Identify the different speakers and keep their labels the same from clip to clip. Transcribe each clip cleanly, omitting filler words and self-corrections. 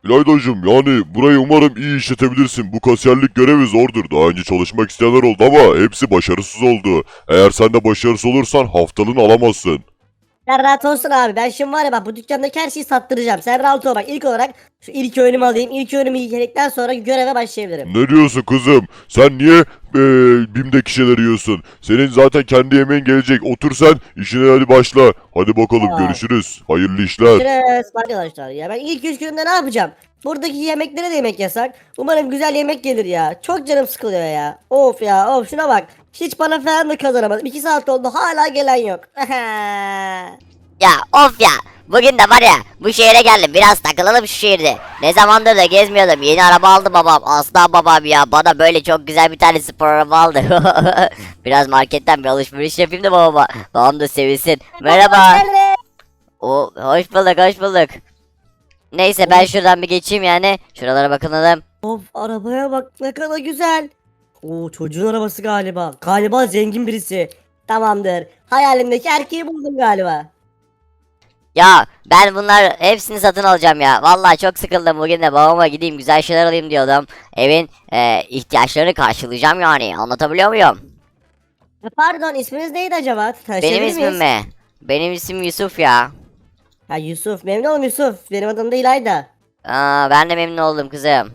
Speaker 1: İlaydacığım yani burayı umarım iyi işletebilirsin. Bu kasiyerlik görevi zordur. Daha önce çalışmak isteyenler oldu ama hepsi başarısız oldu. Eğer sen de başarısız olursan haftalığını alamazsın.
Speaker 2: Sen rahat olsun abi. Ben şimdi var ya bak bu dükkandaki her şeyi sattıracağım. Sen rahat ol bak. İlk olarak şu ilk öğünümü alayım. İlk öğünümü yedikten sonra göreve başlayabilirim.
Speaker 1: Ne diyorsun kızım? Sen niye BİM'deki şeyleri yiyorsun? Senin zaten kendi yemeğin gelecek. Otur sen işine hadi başla. Hadi bakalım
Speaker 2: Tamam.
Speaker 1: görüşürüz. Hayırlı işler.
Speaker 2: Görüşürüz arkadaşlar. Ya ben ilk 3 günümde ne yapacağım? Buradaki yemeklere de yemek yasak. Umarım güzel yemek gelir ya. Çok canım sıkılıyor ya. Of ya of şuna bak. Hiç para falan da kazanamadım. 2 saat oldu hala gelen yok.
Speaker 3: Ya of ya. Bugün de var ya bu şehre geldim, biraz takılalım şu şehirde. Ne zamandır da gezmiyordum. Yeni araba aldı babam. Aslan babam ya, bana böyle çok güzel bir tane spor araba aldı. Biraz marketten bir alışveriş yapayım da babama. Babam da sevinsin. Merhaba. O hoş bulduk, hoş bulduk. Neyse ben şuradan bir geçeyim yani. Şuralara bakalım.
Speaker 2: Of arabaya bak ne kadar güzel. Oo çocuğun arabası galiba. Galiba zengin birisi. Tamamdır. Hayalimdeki erkeği buldum galiba.
Speaker 3: Ya ben bunlar hepsini satın alacağım ya. Vallahi çok sıkıldım, bugün de babama gideyim güzel şeyler alayım diyordum. Evin ihtiyaçlarını karşılayacağım yani. Anlatabiliyor muyum?
Speaker 2: Pardon isminiz neydi acaba? Tanışabilir
Speaker 3: Benim
Speaker 2: miyiz?
Speaker 3: ismim mi? Benim isim Yusuf ya.
Speaker 2: Ha Yusuf. Memnun oldum Yusuf. Benim adım da İlayda.
Speaker 3: Ben de memnun oldum kızım.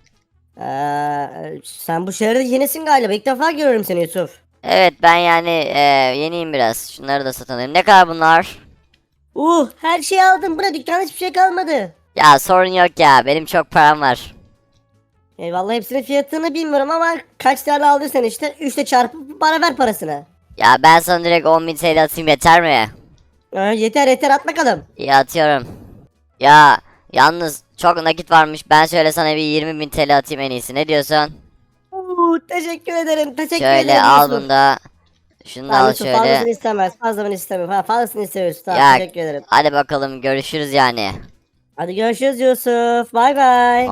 Speaker 2: Sen bu şehirde yenisin galiba. İlk defa görüyorum seni Yusuf.
Speaker 3: Evet ben yani yeniyim biraz. Şunları da satın alayım. Ne kadar bunlar?
Speaker 2: Her şeyi aldım. Buna dükkanda hiçbir şey kalmadı.
Speaker 3: Ya sorun yok ya. Benim çok param var.
Speaker 2: Eyvallah hepsinin fiyatını bilmiyorum ama kaç tane aldıysan işte 3'te çarpıp bana ver parasını.
Speaker 3: Ya ben sana direkt 10.000 TL atayım, yeter mi?
Speaker 2: Yeter yeter at bakalım.
Speaker 3: İyi atıyorum. Ya yalnız çok nakit varmış. Ben şöyle sana bir 20.000 TL atayım en iyisi. Ne diyorsun?
Speaker 2: Teşekkür ederim. Teşekkür
Speaker 3: Şöyle
Speaker 2: ederim
Speaker 3: al
Speaker 2: Yusuf.
Speaker 3: bunu da. Şunu da
Speaker 2: Tamam
Speaker 3: al
Speaker 2: Yusuf fazlasını
Speaker 3: şöyle.
Speaker 2: istemez. Fazlasını istemiyorum. Ha, fazlasını istiyoruz. Tamam
Speaker 3: Ya
Speaker 2: teşekkür ederim.
Speaker 3: hadi bakalım görüşürüz yani.
Speaker 2: Hadi görüşürüz Yusuf. Bay bay.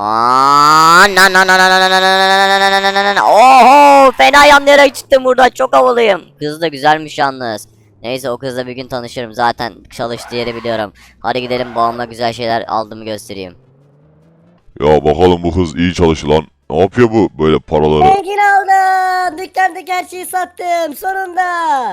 Speaker 3: Oho, fena yanlayarak çıktım buradan, çok havalıyım. Kız da güzelmiş yalnız. Neyse o kızla bir gün tanışırım, zaten çalıştığı yeri biliyorum. Hadi gidelim, babamla güzel şeyler aldığımı göstereyim.
Speaker 1: Ya bakalım bu kız iyi çalışılan. Ne yapıyor bu böyle paraları?
Speaker 2: Zengin oldum. Dükkandaki her şeyi sattım. Sonunda.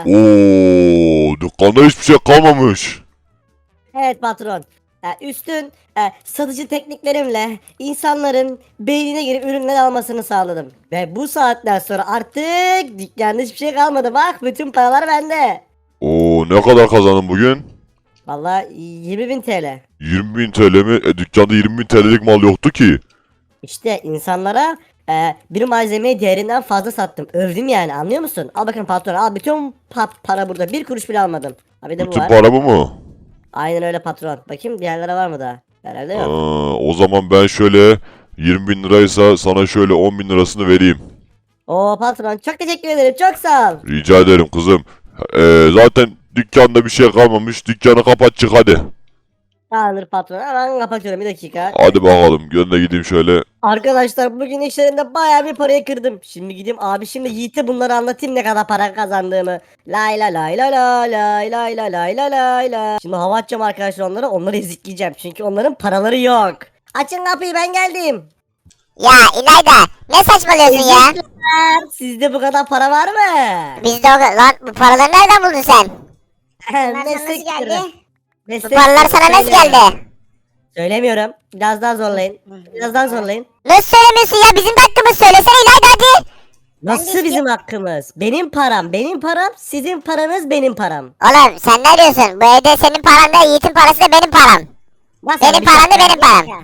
Speaker 1: Oo, dükkanda hiçbir şey kalmamış.
Speaker 2: Evet patron. Üstün satıcı tekniklerimle insanların beynine girip ürünler almasını sağladım. Ve bu saatten sonra artık dükkanda hiçbir şey kalmadı. Bak bütün paralar bende.
Speaker 1: Oo, ne kadar kazandın bugün?
Speaker 2: Vallahi 20.000 TL.
Speaker 1: 20.000 TL mi? Dükkanda 20.000 TL'lik mal yoktu ki.
Speaker 2: İşte insanlara bir malzemeyi değerinden fazla sattım. Övdüm yani anlıyor musun? Al bakın patron al bütün para burada. Bir kuruş bile almadım. Ha bir de bu
Speaker 1: Bütün
Speaker 2: var.
Speaker 1: para bu mu?
Speaker 2: Aynen öyle patron. Bakayım diğerlere var mı daha? Herhalde yok.
Speaker 1: O zaman ben şöyle 20.000 liraysa sana şöyle 10.000 lirasını vereyim.
Speaker 2: Oo patron çok teşekkür ederim. Çok sağ ol.
Speaker 1: Rica ederim kızım. Zaten dükkanda bir şey kalmamış. Dükkanı kapat çık hadi.
Speaker 2: Tamamdır patron. Hemen kapatıyorum bir dakika.
Speaker 1: Hadi bakalım. Gönle gideyim şöyle.
Speaker 2: Arkadaşlar bugün işlerinde bayağı bir parayı kırdım. Şimdi gideyim abi şimdi Yiğit'e bunları anlatayım ne kadar para kazandığımı. Lay la lay la la lay lay la lay la lay la. Şimdi hava atacağım arkadaşlar onları ezikleyeceğim. Çünkü onların paraları yok. Açın kapıyı ben geldim.
Speaker 4: Ya İlayda ne saçmalıyorsun ya?
Speaker 2: Ezikler. Sizde bu kadar para var mı?
Speaker 4: Bizde lan bu paraları nereden buldun sen?
Speaker 2: Meslek
Speaker 4: Nasıl geldi?
Speaker 2: sırrı.
Speaker 4: Bu
Speaker 2: Meslek
Speaker 4: paralar
Speaker 2: sırrı.
Speaker 4: sana nasıl
Speaker 2: Söylemiyorum.
Speaker 4: geldi?
Speaker 2: Söylemiyorum. Biraz daha zorlayın. Biraz daha zorlayın.
Speaker 4: Nasıl söylemiyorsun ya, bizim de hakkımız, söylesene İlayda hadi.
Speaker 2: Nasıl bizim hakkımız? Benim param, benim param, sizin paranız benim param.
Speaker 4: Oğlum sen ne diyorsun? Bu evde senin paran da Yiğit'in parası da benim param.
Speaker 2: Nasıl
Speaker 4: Benim
Speaker 2: bir
Speaker 4: param da
Speaker 2: dakika?
Speaker 4: benim param.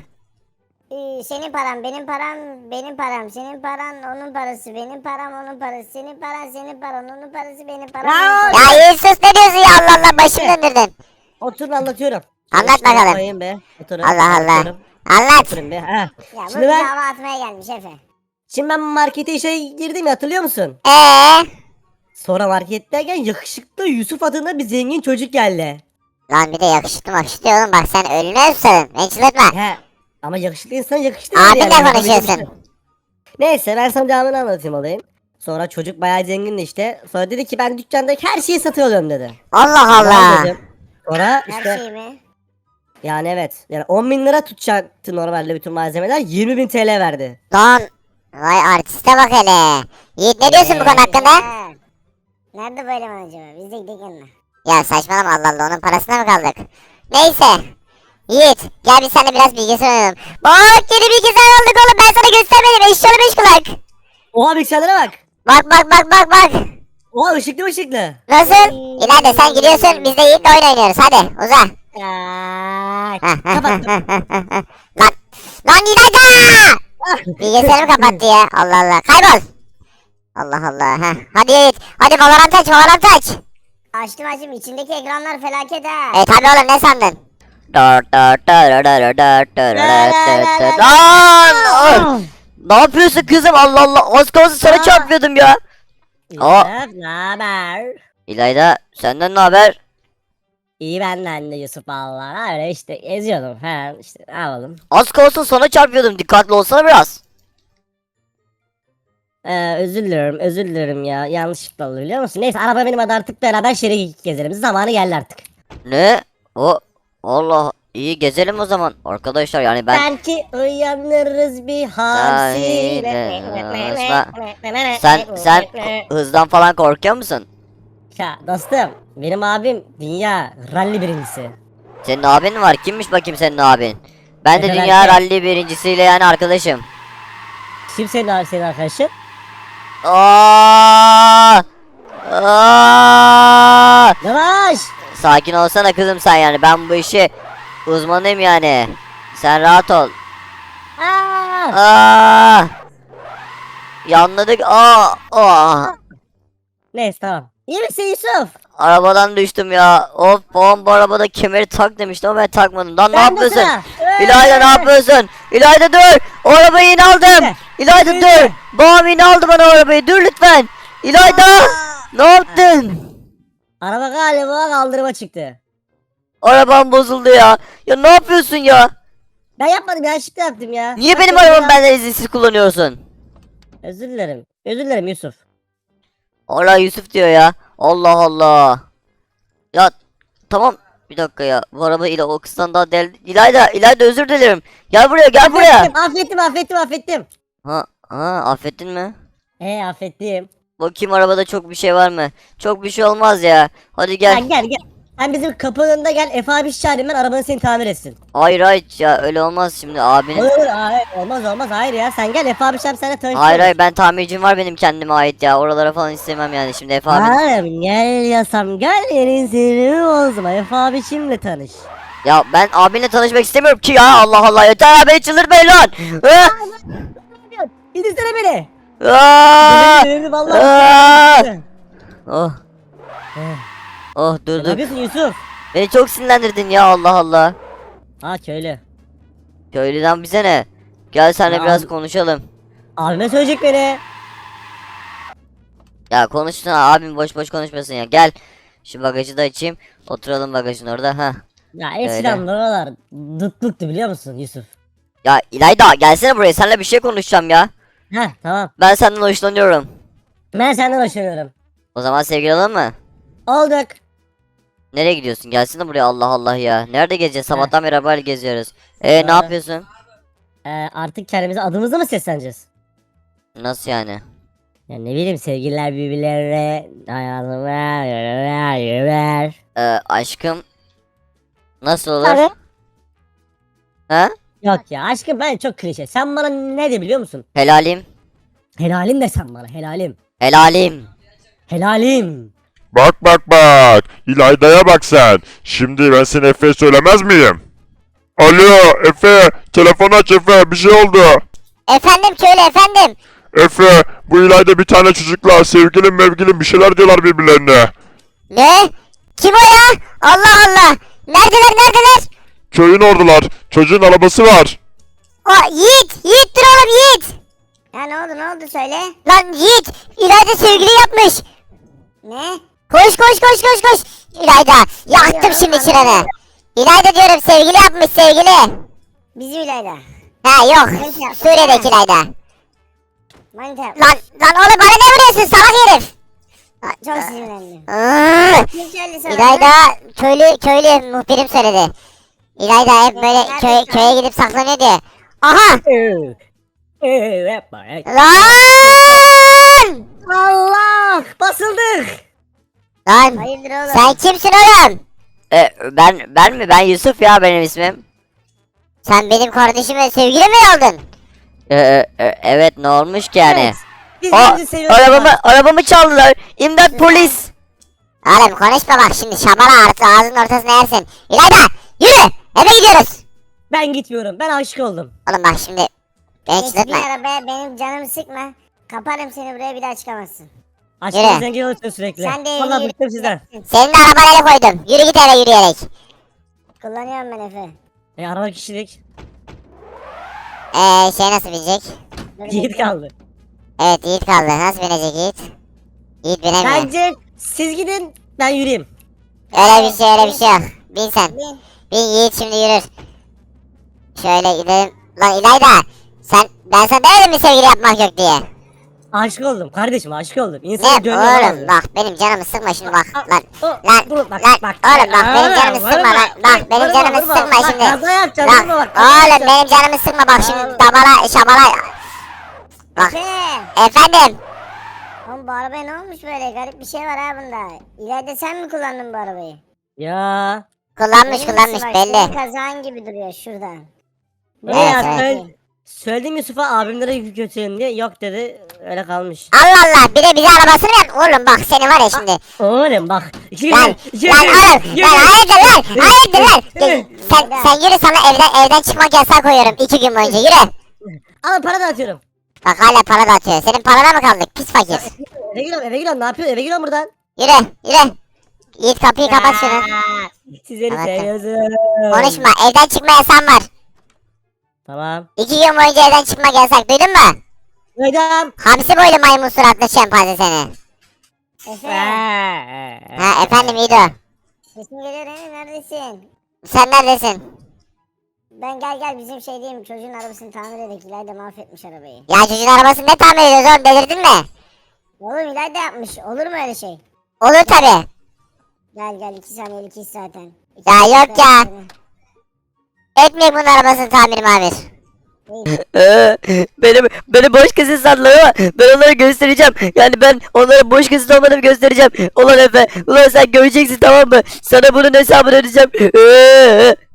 Speaker 5: Senin param, benim param, benim param, senin paran, onun parası, benim param, onun parası, senin paran, senin paran, onun parası, benim param.
Speaker 2: Ya!
Speaker 5: onun parası.
Speaker 4: Ya Yiğit sus, ne diyorsun ya, Allah Allah, başımı döndürdün.
Speaker 2: Oturun anlatıyorum.
Speaker 4: Anlat
Speaker 2: İşte
Speaker 4: bakalım.
Speaker 2: koyayım be. Oturun.
Speaker 4: Allah Allah.
Speaker 2: anlatıyorum.
Speaker 4: Anlat.
Speaker 2: Oturun be. Ha.
Speaker 5: Ya bu
Speaker 2: Şimdi ben-
Speaker 5: hava atmaya gelmiş Efe.
Speaker 2: Şimdi ben markete işe girdim ya hatırlıyor musun? Sonra marketteyken yakışıklı Yusuf adında bir zengin çocuk geldi.
Speaker 4: Lan bir de yakışıklı makışıklı oğlum, bak sen ölüne susadın, beni çıldırtma.
Speaker 2: He. Ama yakışıklı insan yakışıklı.
Speaker 4: Abinle
Speaker 2: yani.
Speaker 4: konuşuyorsun.
Speaker 2: Neyse ben sana devamını anlatayım olayım. Sonra çocuk bayağı zengindi işte. Sonra dedi ki ben dükkandaki her şeyi satın alıyorum dedi.
Speaker 4: Allah
Speaker 2: Tamam
Speaker 4: Allah.
Speaker 2: dedim. Sonra
Speaker 5: Her
Speaker 2: işte
Speaker 5: şey mi?
Speaker 2: Yani evet. Yani 10 bin lira tutacaktı normalde bütün malzemeler. 20 bin TL verdi.
Speaker 4: Lan. Vay artiste bak hele. Yiğit ne diyorsun bu konu hakkında?
Speaker 5: Ya. Nerede bu eleman acaba? Biz de gidelim yanına.
Speaker 4: Ya saçmalama Allah Allah onun parasına mı kaldık? Neyse. Yiğit gel biz seninle biraz bilgisayar oynayalım. Bak yeni bilgisayar aldık oğlum ben sana göstermedim eşyalı beş kulak.
Speaker 2: Oha bilgisayarlara bak.
Speaker 4: Bak.
Speaker 2: Oha ışıklı ışıklı.
Speaker 4: Nasıl? İleride sen gidiyorsun biz de Yiğit'le oyun oynuyoruz hadi uza.
Speaker 2: Kapat.
Speaker 4: Lan İlayda! Bilgisayarımı kapattı ya Allah Allah kaybol. Allah Allah heh. Hadi Yiğit hadi Valorant aç.
Speaker 5: Açtım içindeki ekranlar felaket ha.
Speaker 4: Tabi oğlum ne sandın?
Speaker 3: Lan! Ne yapıyorsun kızım? Allah Allah. Az kalsın sana çarpıyordum ya.
Speaker 2: Yusuf ne haber?
Speaker 3: İlayda senden ne haber?
Speaker 2: İyi benden de Yusuf valla. Öyle işte eziyordum falan işte ne yapalım.
Speaker 3: Az kalsın sana çarpıyordum. Dikkatli olsana biraz.
Speaker 2: Özür dilerim ya. Yanlışlıkla oldu biliyor musun? Neyse araba benim adı artık beraber şehre gezelim. Zamanı geldi artık.
Speaker 3: Ne? O Allah iyi gezelim o zaman arkadaşlar yani ben
Speaker 2: Belki uyanırız bir halsiyle.
Speaker 3: sen hızdan falan korkuyor musun?
Speaker 2: Ya dostum benim abim dünya rally birincisi.
Speaker 3: Senin abin mi var? Kimmiş bakayım senin abin? Ben de
Speaker 2: Efe
Speaker 3: dünya
Speaker 2: Berke.
Speaker 3: ralli birincisiyle yani arkadaşım.
Speaker 2: Kim senin arkadaşın?
Speaker 3: Aa! Aa!
Speaker 2: Yavaş.
Speaker 3: Sakin olsana kızım sen yani ben bu işi uzmanıyım yani. Sen rahat ol.
Speaker 2: Aa!
Speaker 3: Aa! Yanladık. Aa!
Speaker 2: Neyse tamam. İyi misin Yusuf?
Speaker 3: Arabadan düştüm ya. Of babam bu arabada kemeri tak demişti ama ben takmadım. Lan ne
Speaker 2: Ben de
Speaker 3: yapıyorsun?
Speaker 2: sıra.
Speaker 3: İlayda ne yapıyorsun? İlayda dur. O arabayı yine aldım. İlayda dur. Babam yine aldı bana o arabayı. Dur lütfen. İlayda. Ne yaptın?
Speaker 2: Araba galiba kaldırıma çıktı.
Speaker 3: Arabam bozuldu ya. Ya ne yapıyorsun ya?
Speaker 2: Ben yapmadım yanlışlıkla yaptım ya.
Speaker 3: Niye benim
Speaker 2: Bak,
Speaker 3: arabamı
Speaker 2: ya.
Speaker 3: benden izinsiz kullanıyorsun?
Speaker 2: Özür dilerim. Özür dilerim Yusuf.
Speaker 3: Allah Yusuf diyor ya. Allah Allah. Ya tamam. Bir dakika ya. Bu araba ile o kızdan daha del... İlayda özür dilerim. Gel buraya gel buraya.
Speaker 2: Affettim.
Speaker 3: Ha affettin mi?
Speaker 2: Affettim.
Speaker 3: Bakayım arabada çok bir şey var mı? Çok bir şey olmaz ya. Hadi gel.
Speaker 2: Gel. Sen bizim kapının önünde gel. Efe abi çağırayım ben arabanı seni tamir etsin.
Speaker 3: Hayır ya öyle olmaz şimdi abinin.
Speaker 2: Olur. Hayır, olmaz. Hayır ya. Sen gel Efe abi çağır seninle tanıştırırız.
Speaker 3: Hayır ben tamircim var benim kendime ait ya. Oralara falan istemem yani şimdi Efe abi.
Speaker 2: Hayır gel yasam gel yerin seni olsun. Efe abi şimdi tanış.
Speaker 3: Ya ben abinle tanışmak istemiyorum ki ya. Allah Allah yeter abi çıldırtmayın lan.
Speaker 2: İndirsene beni.
Speaker 3: Aa!
Speaker 2: Beni
Speaker 3: Aa!
Speaker 2: vallahi.
Speaker 3: Oh
Speaker 2: Eh,
Speaker 3: oh
Speaker 2: Ne
Speaker 3: dur.
Speaker 2: yapıyorsun Yusuf?
Speaker 3: Beni çok sinirlendirdin ya Allah Allah.
Speaker 2: Köylü.
Speaker 3: Köylüden bize ne? Gel seninle
Speaker 2: Ya
Speaker 3: biraz
Speaker 2: abi-
Speaker 3: konuşalım.
Speaker 2: Abime söyleyecek beni.
Speaker 3: Ya konuşsana abim boş konuşmasın ya. Gel. Şu bagajı da açayım. Oturalım bagajın orada ha.
Speaker 2: Ya eskiden buralar dutluktu biliyor musun Yusuf?
Speaker 3: Ya İlayda gelsene buraya seninle bir şey konuşacağım ya.
Speaker 2: Tamam.
Speaker 3: Ben senden hoşlanıyorum.
Speaker 2: Ben senden hoşlanıyorum.
Speaker 3: O zaman sevgili olalım mı?
Speaker 2: Olduk.
Speaker 3: Nereye gidiyorsun? Gelsene buraya Allah Allah ya. Nerede gezeceğiz? Sabahtan beri arabayla geziyoruz. Ne
Speaker 2: Doğru.
Speaker 3: yapıyorsun?
Speaker 2: Artık kendimize adımızla mı sesleneceğiz?
Speaker 3: Nasıl yani?
Speaker 2: Ya ne bileyim sevgililer birbirlerine hayatıma yürüver.
Speaker 3: Aşkım nasıl olur?
Speaker 2: Tabii.
Speaker 3: Ha?
Speaker 2: Yok ya aşkım ben çok klişe. Sen bana ne de biliyor musun?
Speaker 3: Helalim.
Speaker 2: Helalim de sen bana helalim.
Speaker 3: Helalim.
Speaker 2: Helalim.
Speaker 1: Bak. İlayda'ya bak sen. Şimdi ben seni Efe'ye söylemez miyim? Alo Efe. Telefonu aç Efe. Bir şey oldu.
Speaker 4: Efendim köylü efendim.
Speaker 1: Efe. Bu İlayda bir tane çocukla sevgilim mevgilim bir şeyler diyorlar birbirlerine.
Speaker 4: Ne? Kim o ya? Allah Allah. Neredeler?
Speaker 1: Köyün ordular. Çocuğun arabası var.
Speaker 4: Yiğit dur oğlum Yiğit.
Speaker 5: Ya ne oldu söyle.
Speaker 4: Lan Yiğit İlayda sevgili yapmış.
Speaker 5: Ne?
Speaker 4: Koş. İlayda yaktım şimdi çıranı. İlayda diyorum sevgili yapmış sevgili.
Speaker 5: Bizi İlayda.
Speaker 4: Ha yok
Speaker 5: Neyse, yapma.
Speaker 4: Suriye'deki İlayda.
Speaker 5: Manita.
Speaker 4: Lan oğlum bana ne vuruyorsun salak herif.
Speaker 5: Çok sinirlendim.
Speaker 4: Iıı,
Speaker 5: Kim söyledi sana?
Speaker 4: İlayda köylü muhbirim söyledi. İlayda hep böyle köye gidip saklanıyor diye. Aha!
Speaker 2: Yapma.
Speaker 4: Lan!
Speaker 2: Allah! Basıldık.
Speaker 4: Lan!
Speaker 5: Hayırdır oğlum?
Speaker 4: Sen kimsin oğlum?
Speaker 3: Ben mi? Ben Yusuf ya benim ismim.
Speaker 4: Sen benim kardeşime sevgili mi oldun?
Speaker 3: Evet ne olmuş ki yani?
Speaker 2: Evet. Biz
Speaker 3: O
Speaker 2: birbirimizi seviyoruz.
Speaker 3: arabamı çaldılar. İmdat polis.
Speaker 4: Oğlum konuşma bak şimdi şabala artık ağzının ortasına yersin. İlayda yürü eve gidiyoruz.
Speaker 2: Ben gitmiyorum. Ben aşık oldum.
Speaker 4: Oğlum bak şimdi beni
Speaker 5: Geç
Speaker 4: çıldırtma.
Speaker 5: bir arabaya benim canımı sıkma. Kaparım seni buraya bir daha çıkamazsın.
Speaker 2: Aşkım
Speaker 4: Yürü.
Speaker 2: zengin olursun sürekli.
Speaker 5: Sen de
Speaker 2: Vallahi
Speaker 5: yürü.
Speaker 2: bıktım sizden.
Speaker 4: Senin de arabana el koydum. Yürü git eve yürüyerek.
Speaker 5: Kullanıyorum ben Efe.
Speaker 2: Araba kişilik.
Speaker 4: Şey nasıl binecek?
Speaker 5: Dur
Speaker 2: Yiğit
Speaker 5: bekle.
Speaker 2: kaldı.
Speaker 4: Evet Yiğit kaldı. Nasıl binecek Yiğit? Yiğit binemiyor.
Speaker 2: Bence siz gidin ben yürüyeyim.
Speaker 4: Öyle bir şey yok. Bin sen.
Speaker 5: Bin.
Speaker 4: Bin Yiğit şimdi yürür. Şöyle gidelim. Lan İlayda. Ben sana demedim mi sevgili yapmak yok diye.
Speaker 2: Aşık oldum kardeşim aşık oldum.
Speaker 4: Ne
Speaker 2: İnsanın gönlü
Speaker 4: oğlum
Speaker 2: alamıyor.
Speaker 4: bak benim canımı sıkma şimdi bak. Lan
Speaker 2: Dur, bak,
Speaker 4: lan
Speaker 2: bak.
Speaker 4: oğlum bak benim
Speaker 2: Vurma,
Speaker 4: canımı sıkma
Speaker 2: vurma,
Speaker 4: lan. Bak benim
Speaker 2: vurma,
Speaker 4: canımı
Speaker 2: vurma.
Speaker 4: sıkma
Speaker 2: Bak,
Speaker 4: şimdi.
Speaker 2: kaza yapacaksın,
Speaker 4: Lan
Speaker 2: vurma bak, kaza
Speaker 4: oğlum
Speaker 2: yapacaksın.
Speaker 4: benim canımı sıkma bak şimdi
Speaker 2: Aa.
Speaker 4: dabala şabala. Bak
Speaker 5: Efe.
Speaker 4: efendim.
Speaker 5: Oğlum bu arabaya ne olmuş böyle? Garip bir şey var ha bunda. İleride sen mi kullandın bu arabayı?
Speaker 2: Ya.
Speaker 4: Kullanmış
Speaker 5: Benim
Speaker 4: kullanmış
Speaker 5: bak,
Speaker 4: belli.
Speaker 5: Senin kazağın gibi duruyor şurada.
Speaker 2: Ne
Speaker 4: Evet,
Speaker 2: ya
Speaker 4: evet.
Speaker 2: söyledim Yusuf'a abimlere yük götürelim diye yok dedi öyle kalmış.
Speaker 4: Allah Allah bir de bize arabasını ver. Oğlum bak seni var ya şimdi.
Speaker 2: Oğlum bak. İki
Speaker 4: Lan
Speaker 2: gün-
Speaker 4: lan oğlum lan hayırdır lan.
Speaker 2: Yürü.
Speaker 4: Sen yürü sana evden çıkmak yasağı koyuyorum 2 gün boyunca yürü.
Speaker 2: Al para dağıtıyorum.
Speaker 4: Bak hala para da atıyor. Senin parana mı kaldık pis fakir.
Speaker 2: Eve giriyorum ne yapıyorsun eve giriyorum buradan.
Speaker 4: Yürü. Yiğit kapıyı kapat şunu.
Speaker 2: Sizleri
Speaker 4: Kapat.
Speaker 2: seviyorsun.
Speaker 4: Konuşma evden çıkma yasağın var.
Speaker 2: Tamam.
Speaker 4: 2 gün boyunca evden çıkmak yasak duydun mu?
Speaker 2: Duydum.
Speaker 4: Hamsi boylu maymun suratlı şempanze seni.
Speaker 5: Efe.
Speaker 4: Ha efendim İdo.
Speaker 5: Sesin geliyor he? Neredesin?
Speaker 4: Sen neredesin?
Speaker 5: Ben gel bizim şey diyeyim çocuğun arabasını tamir edek. İlayda mahvetmiş arabayı.
Speaker 4: Ya çocuğun arabasını ne tamir ediyoruz oğlum delirdin mi?
Speaker 5: Oğlum İlayda yapmış. Olur mu öyle şey?
Speaker 4: Olur tabi.
Speaker 5: Gel 2 saniyelik iş zaten.
Speaker 4: Ya yok ya. Etmeyek bunun arabasını tamir mamir.
Speaker 3: Beni boş kesin sandılar ama ben onlara göstereceğim. Yani ben onlara boş kesin olmadığımı göstereceğim. Ulan Efe, ulan sen göreceksin tamam mı? Sana bunun hesabını ödeyeceğim.